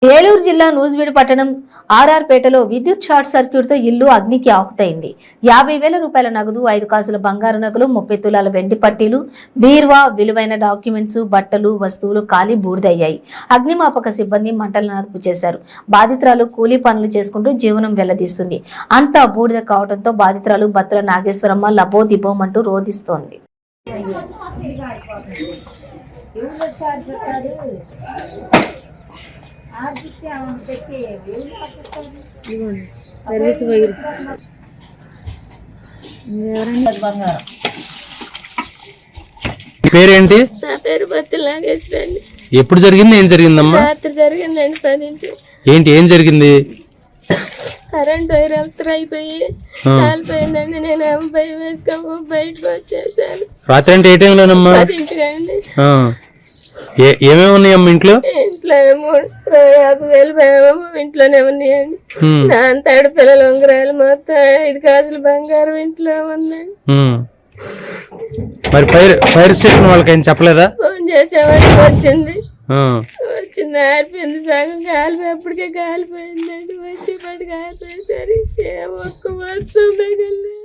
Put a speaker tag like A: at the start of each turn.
A: ఏలూరు జిల్లా నూజివీడు పట్టణం ఆర్ఆర్పేటలో విద్యుత్ షార్ట్ సర్క్యూట్ తో ఇల్లు అగ్నికి ఆహుతైంది. 50,000 రూపాయల నగదు, 5 కాసుల బంగారు నగలు, 30 తులాల వెండి పట్టీలు, బీర్వా, విలువైన డాక్యుమెంట్స్, బట్టలు, వస్తువులు కాలి బూడిదయ్యాయి. అగ్నిమాపక సిబ్బంది మంటలను అదుపు చేశారు. బాధితురాలు కూలీ పనులు చేసుకుంటూ జీవనం వెళ్లదీస్తుంది. అంతా బూడిద కావడంతో బాధితురాలు బత్తుల నాగేశ్వరమ్మ లబోదిబోమంటూ రోధిస్తోంది.
B: పేరేంటి?
C: నా పేరు బత్తుల నాగేశ్వరండి.
B: ఎప్పుడు జరిగింది? ఏం జరిగిందమ్మా?
C: రాత్రి జరిగిందండి 10.
B: ఏంటి ఏం జరిగింది?
C: కరెంట్ వైర్ అయిపోయి కాలిపోయిందండి. నేను భయం వేసుకో బయటకు వచ్చేసాను.
B: రాత్రి అంటే ఏ టైంలోనమ్మా?
C: 10
B: ఏమేమి ఉన్నాయమ్మా ఇంట్లో?
C: ఇంట్లో 50,000 ఇంట్లోనే ఉన్నాయండి. నా అంతాడు పిల్లలు ఉంగరాలు మొత్తం 5 కాసులు బంగారం ఇంట్లో ఉన్నాయి.
B: మరి ఫైర్ స్టేషన్ వాళ్ళకి ఏం చెప్పలేదా?
C: ఫోన్ చేసామండి. వచ్చింది ఆరిపోయింది. సగం కాలిపోయి అప్పటికే కాలిపోయిందండి. వచ్చేపాటి కాలిపోయేసరికి ఒక్క వస్తువు మిగిలింది.